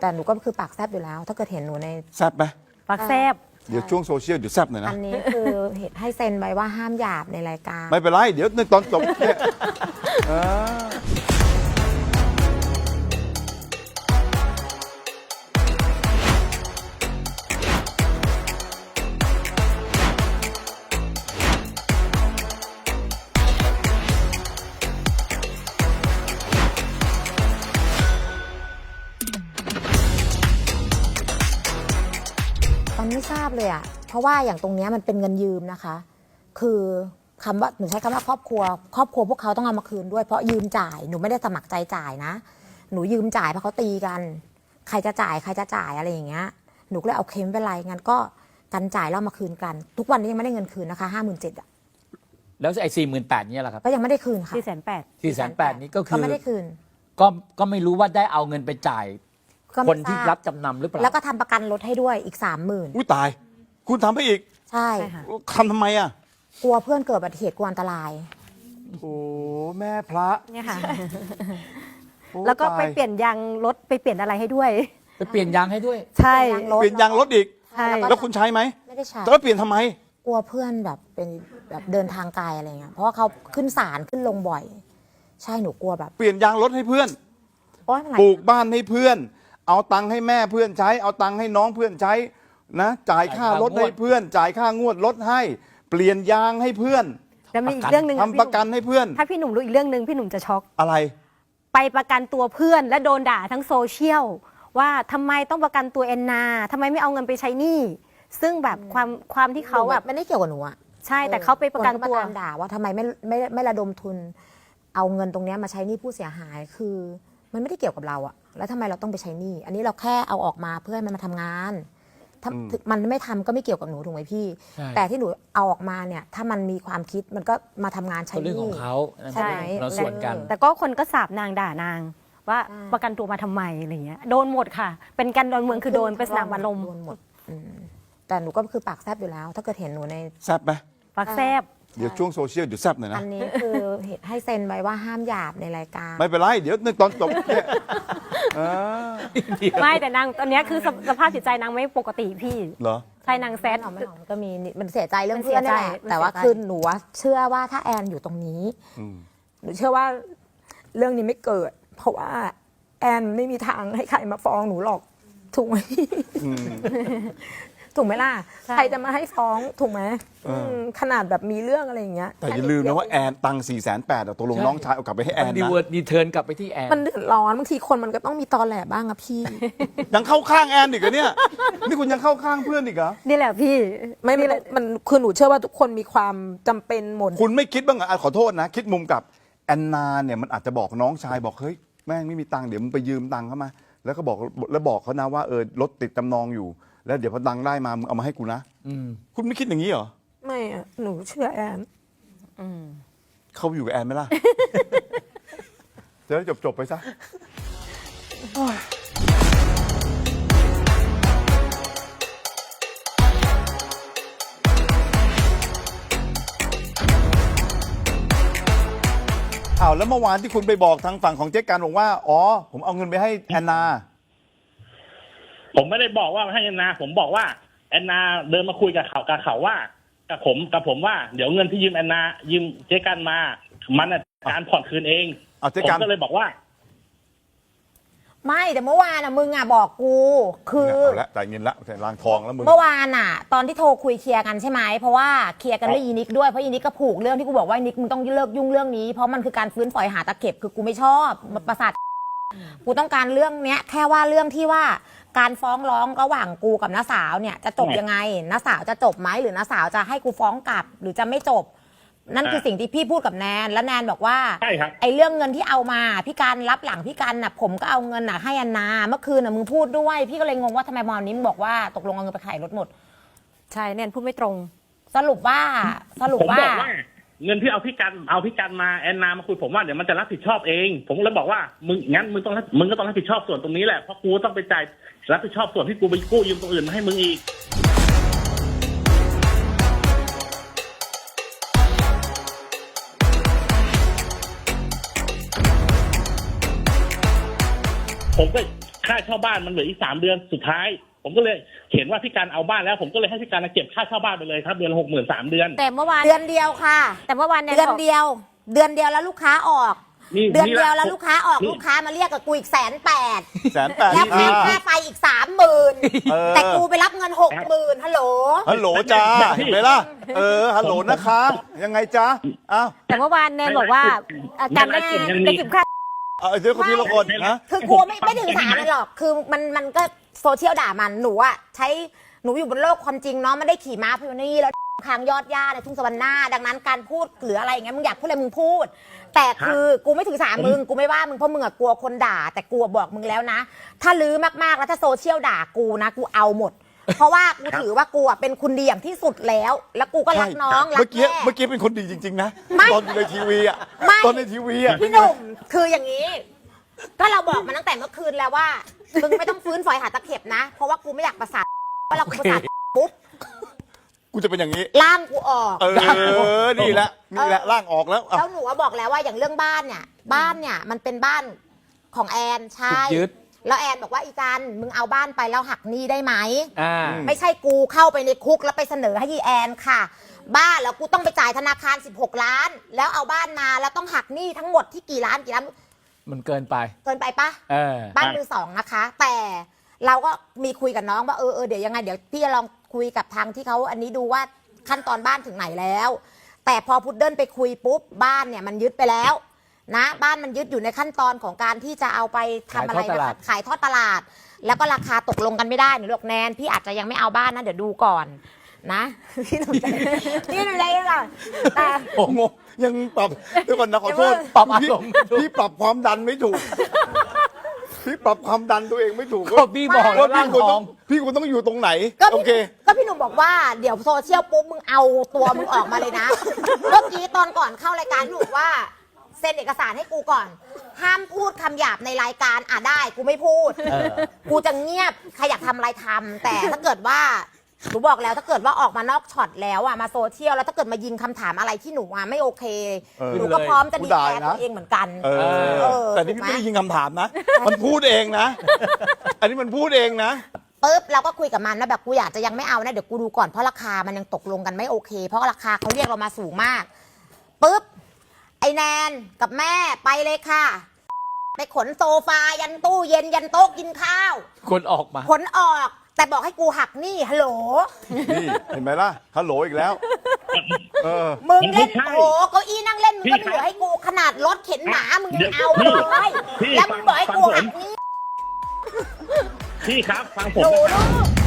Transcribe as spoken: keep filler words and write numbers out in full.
แต่หนูก็คือปากแซบอยู่แล้ว ถ้าเกิดเห็นหนูในแซบไหมปากแซบเดี๋ยวช่วงโซเชียลเดี๋ยวแซบหน่อยนะอันนี้คือให้เซ็นไว้ว่าห้ามหยาบในรายการไม่เป็นไรเดี๋ยวในตอนจบเนี่ยตอนไม่ทราบเลยอ่ะเพราะว่าอย่างตรงนี้มันเป็นเงินยืมนะคะคือคำว่าหนูใช้คำว่าครอบครัวครอบครัวพวกเขาต้องเอามาคืนด้วยเพราะยืมจ่ายหนูไม่ได้สมัครใจจ่ายนะหนูยืมจ่ายเพราะเขาตีกันใครจะจ่ายใครจะจ่ายอะไรอย่างเงี้ยหนูก็เลยเอาเค็มไปไรงั้นก็กันจ่ายแล้วมาคืนกันทุกวันนี้ยังไม่ได้เงินคืนนะคะห้าหมื่นเจ็ดอ่ะแล้วไอ้สี่หมื่นแปดเนี่ยแหละครับก็ยังไม่ได้คืนค่ะสี่แสนแปดสี่แสนแปดนี้ก็คือไม่ได้คืนก็ก็ไม่รู้ว่าได้เอาเงินไปจ่ายคนที่รับจำนำหรือเปล่าแล้วก็ทำประกันรถให้ด้วยอีกสามหมื่นอุ้ยตายคุณทำให้อีกใช่ทำทำไมอ่ะกลัวเพื่อนเกิดอุบัติเหตุกลัวอันตรายโอ้แม่พระเนี่ยค่ะแล้วก็ไปเปลี่ยนยางรถไปเปลี่ยนอะไรให้ด้วยไปเปลี่ยนยางให้ด้วยใช่เปลี่ยนยางรถอีกใช่แล้วคุณใช้ไหมไม่ได้ใช้แล้วเปลี่ยนทำไมกลัวเพื่อนแบบเป็นแบบเดินทางไกลอะไรเงี้ยเพราะว่าเขาขึ้นศาลขึ้นลงบ่อยใช่หนูกลัวแบบเปลี่ยนยางรถให้เพื่อนปลูกบ้านให้เพื่อนเอาตังค์ให้แม่เพื่อนใช้เอาตังค์ให้น้องเพื่อนใช้นะจ่ายค่ารถให้เพื่อนจ่ายค่างวดรถให้เปลี่ยนยางให้เพื่อนแล้วมีอีกเรื่องหนึ่งทำประกันให้เพื่อนถ้าพี่หนุ่มรู้อีกเรื่องหนึ่งพี่หนุ่มจะช็อกอะไรไปประกันตัวเพื่อนและโดนด่าทั้งโซเชียลว่าทำไมต้องประกันตัวแอนนาทำไมไม่เอาเงินไปใช้หนี้ซึ่งแบบความความที่เขาแบบไม่ได้เกี่ยวกับหนูอะใช่แต่เขาไปประกันตัวด่าว่าทำไมไม่ไม่ไม่ระดมทุนเอาเงินตรงนี้มาใช้หนี้ผู้เสียหายคือมันไม่ได้เกี่ยวกับเราอะแล้วทำไมเราต้องไปใช้หนี้อันนี้เราแค่เอาออกมาเพื่อให้มันมาทำงานมันไม่ทำก็ไม่เกี่ยวกับหนูถูกไหมพี่แต่ที่หนูเอาออกมาเนี่ยถ้ามันมีความคิดมันก็มาทำงานใช้หนี้เรื่องของเขาใช่เราส่วนกันแต่ก็คนก็สาบนางด่านางว่าประกันตัวมาทำไมอะไรเงี้ยโดนหมดค่ะเป็นการโดนเมืองคือโดนไปสนามอารมณ์โดนหมดแต่หนูก็คือปากแซบอยู่แล้ว ถ้าเกิดเห็นหนูในแซบไหมปากแซบเดี๋ยวช่วงโซเชียลเดี๋ยวแซบหน่อยนะอันนี้คือให้เซ็นไว้ว่าห้ามหยาบในรายการไม่เป็นไรเดี๋ยวในตอนจบเนี่ยไม่แต่นางตอนนี้คือสภาพจิตใจนางไม่ปกติพี่เหรอใช่นางแซดมันก็มีมันเสียใจเรื่องเพื่อนนี่แหละแต่ว่าคือหนูเชื่อว่าถ้าแอนอยู่ตรงนี้หนูเชื่อว่าเรื่องนี้ไม่เกิดเพราะว่าแอนไม่มีทางให้ใครมาฟ้องหนูหรอกถูกไหมถูกไหมล่ะใครจะมาให้ฟ้องถูกไหมขนาดแบบมีเรื่องอะไรอย่างเงี้ยแต่อย่าลืมนะว่าแอนตังสี่แสนแปดตกลงน้องชายเอากลับไปให้แอนนะดีเวิร์ดดีเทิร์นกลับไปที่แอนมันเดือดร้อนบางทีคนมันก็ต้องมีตอแหลบ้างอะพี่ยังเข้าข้างแอนอีกเหรอเนี่ยนี่คุณยังเข้าข้างเพื่อนอีกเหรอนี่แหละพี่ไม่ไม่มันคือหนูเชื่อว่าทุกคนมีความจำเป็นหมดคุณไม่คิดบ้างเหรอขอโทษนะคิดมุมกับแอนนาเนี่ยมันอาจจะบอกน้องชายบอกเฮ้ยแม่งไม่มีตังค์เดี๋ยวมึงไปยืมตังค์เขามาแล้วก็บอกแล้วบอกเขานะว่าเออรถติดจำนองอยู่แล้วเดี๋ยวพอตังค์ได้มามึงเอามาให้กูนะคุณไม่คิดอย่างนี้เหรอไม่อะหนูเชื่อแอนเขาอยู่กับแอนไหมล่ะจะได้จบๆไปซะอ้าวแล้วเมื่อวานที่คุณไปบอกทางฝั่งของเจ๊การบอกว่าอ๋อผมเอาเงินไปให้แอนนาผมไม่ได้บอกว่าให้แอนนาผมบอกว่าแอนนาเดินมาคุยกับเขากับเขาว่ากับผมกับผมว่าเดี๋ยวเงินที่ยืมแอนนายืมเจ๊กันมามันการผ่อนคืนเองผมก็เลยบอกว่าไม่แต่เมื่อวานอ่ะมึงอ่ะบอกกูคือเอาละจ่ายเงินละล้างทองแล้วมึงเมื่อวานอ่ะตอนที่โทรคุยเคลียร์กันใช่ไหมเพราะว่าเคลียร์กันด้วยอีนิกด้วยเพราะอีนิกก็ผูกเรื่องที่กูบอกว่าอีนิกมึงต้องเลิกยุ่งเรื่องนี้เพราะมันคือการฟื้นฝอยหาตะเข็บคือกูไม่ชอบประสาทกูต้องการเรื่องเนี้ยแค่ว่าเรื่องที่ว่าการฟ้องร้องระหว่างกูกับน้าสาวเนี่ยจะจบยังไงน้าสาวจะจบไหมหรือน้าสาวจะให้กูฟ้องกลับหรือจะไม่จบนั่นคือสิ่งที่พี่พูดกับแนนและแนนบอกว่าใช่ครับไอ้เรื่องเงินที่เอามาพี่การรับหลังพี่การน่ะผมก็เอาเงินน่ะให้อันนาเมื่อคืนน่ะมึงพูดด้วยพี่ก็เลยงงว่าทำไมมอนี้มึงบอกว่าตกลงเอาเงินไปขายรถหมดใช่แนนพูดไม่ตรงสรุปว่าสรุปว่าเงินที่เอาพี่กันเอาพี่กันมาแอนนามาคุยผมว่าเดี๋ยวมันจะรับผิดชอบเองผมเลยบอกว่ามึงงั้นมึงต้องมึงก็ต้องรับผิดชอบส่วนตรงนี้แหละเพราะกูต้องไปจ่ายรับผิดชอบส่วนที่กูไปกู้ยืมตรงอื่นมาให้มึงอีกผมก็ค่าเช่าบ้านมันเหลืออีกสามเดือนสุดท้าย ผมก็เลยเห็นว่าพี่การเอาบ้านแล้วผมก็เลยให้พี่การเก็บค่าเช่าบ้านไปเลยครับเดือนละหกหมื่นสามเดือนแต่เมื่อวานเดือนเดียวค่ะแต่เมื่อวานแนนเดือนบอกเดียว เดือนเดียวแล้วลูกค้าออกนี่เดือนนี่เดียวละแล้วลูกค้าออกนี่ลูกค้ามาเรียกกับกูอีกแสนแปดแสนแปดแล้วค่าค่าไฟอีกสามหมื่นเออแต่กูไปรับเงินหกหมื่นฮัลโหลฮัลโหลจ้าเห็นไหมล่ะเออฮัลโหลนะคะ ยังไงจ้าอ้าวแต่เมื่อวานแนนบอกว่าอ่ะการได้ได้เก็บค่าเอาเดี๋ยวคนทีละคนนะคือกูไม่ไม่ถึงสามเลยหรอก คือมันมันก็โซเชียลด่ามัน หนูอะใช้หนูอยู่บนโลกความจริงเนาะไม่ได้ขี่ม้าพานี่แล้วทางยอดย่าในทุ่งสวรรค์หน้า ดังนั้นการพูดหรืออะไรอย่างเงี้ยมึงอยากพูดอะไรมึงพูด แต่คือกูไม่ถือสามึงกูไม่ว่ามึงเพราะมึงอะกลัวคนด่า แต่กูอะบอกมึงแล้วนะ ถ้าลื้อมากๆแล้วถ้าโซเชียลด่ากูนะกูเอาหมด เพราะว่ากูถือว่ากูอะเป็นคุณดีอย่างที่สุดแล้ว แล้วกูก็รักน้องรัเมื่กอกี้แม่เมื่อกี้เป็นคนดีจริง ๆ นะไม่ตอนอยู่ในทีวีอ่ะไม่ตอนในทีวีอ่ะพี่หนุ่มคืออย่างนี้ ก็เราบอกมาตั้งแต่เมื่อคืนแล้วว่ามึงไม่ต้องฟื้นฝอยหาตะเข็บนะ เพราะว่ากูไม่อยากประสาทเพราะเรากูประสาทปุ๊บกูจะเป็นอย่างนี้ล่ามกูออกเออ นี่แหละ นี่แหละ ร่างออกแล้วอ่ะแล้วหนูว่าบอกแล้วว่าอย่างเรื่องบ้านเนี่ย บ้านเนี่ยมันเป็นบ้านของแอนใช่ถูกยึดแล้วแอนบอกว่าอีจันมึงเอาบ้านไปแล้วหักหนี้ได้ไหมอ่าไม่ใช่กูเข้าไปในคุกแล้วไปเสนอให้ยีแอนค่ะ บ้านแล้วกูต้องไปจ่ายธนาคารสิบหกล้าน แล้วเอาบ้านมาแล้วต้องหักหนี้ทั้งหมดที่กี่ล้านกี่ล้านมันเกินไปเกินไปปะเออบ้านมือสองนะคะ แต่เราก็มีคุยกับน้องว่าเออเออเดี๋ยวยังไงเดี๋ยวพี่จะลองคุยกับทางที่เขาอันนี้ดูว่าขั้นตอนบ้านถึงไหนแล้ว แต่พอพุดเดิ้ลไปคุยปุ๊บบ้านเนี่ยมันยึดไปแล้ว นะ บ้านมันยึดอยู่ในขั้นตอนของการที่จะเอาไปทำอะไรขายทอดตนะลาดคะขายทอดตลาด แล้วก็ราคาตกลงกันไม่ได้หนูบอกแนนพี่อาจจะยังไม่เอาบ้านนะเดี๋ยวดูก่อนนะ พี่หนุ่มใจพี่หนุ่มใจก่อนแต่โอ้โงยังปรับเดี๋ยวก่อนนะขอโทษปรับอารมณ์ไม่ถูกพี่ปรับความดันไม่ถูก พี่ปรับความดันตัวเองไม่ถูกก็พี่บอกแล้วว่าร่าพี่งควรทต้ออง งพี่ควรต้องอยู่ตรงไหนก็โอพี่เคก็พี่หนุ่มบอกว่าเดี๋ยวโซเชียลปุ๊บมึงเอาตัวมึงออกมาเลยนะ เมื่อกี้ตอนก่อนเข้ารายการหนูว่าเซ็นเอกสารให้กูก่อน ห้ามพูดคำหยาบในรายการอ่ะได้กูไม่พูดเออกูจะเงียบใครอยากทำอะไรทำแต่ถ้าเกิดว่าหนูบอกแล้วถ้าเกิดว่าออกมานอกช็อตแล้วอ่ะมาโซเชียลแล้วถ้าเกิดมายิงคำถามอะไรที่หนูอ่ะไม่โอเคเออหนูก็พร้อมจะกูดีด่าแอร์นะตัวเองเหมือนกันเออเออแต่นี่พี่ถูกไหมไม่ได้ยิงคำถามนะ มันพูดเองนะ อันนี้มันพูดเองนะปุ๊บเราก็คุยกับมันนะแบบกูอยากจะยังไม่เอานะเดี๋ยวกูดูก่อนเพราะราคามันยังตกลงกันไม่โอเค เพราะราคาเขาเรียกเรามาสูงมากปุ๊บไอแนนกับแม่ไปเลยค่ะ ไปขนโซฟายันตู้เย็นยันโต๊ะกินข้าวคนออกมาขนออกแต่บอกให้กูหักหนี้ฮัลโหลนี่เห็นไหมล่ะฮัลโหลอีกแล้ว เออมึงเล่นไม่ใช่โอ้เก้าอี้นั่งเล่นมึงก็พี่ไม่เหลือให้กูขนาดรถเข็นหมามึงยังเอาพี่เลยพี่แล้วมึงบอกให้กูฟังผมหักหนี้พี่ครับฟังผหมนูนะครับลูก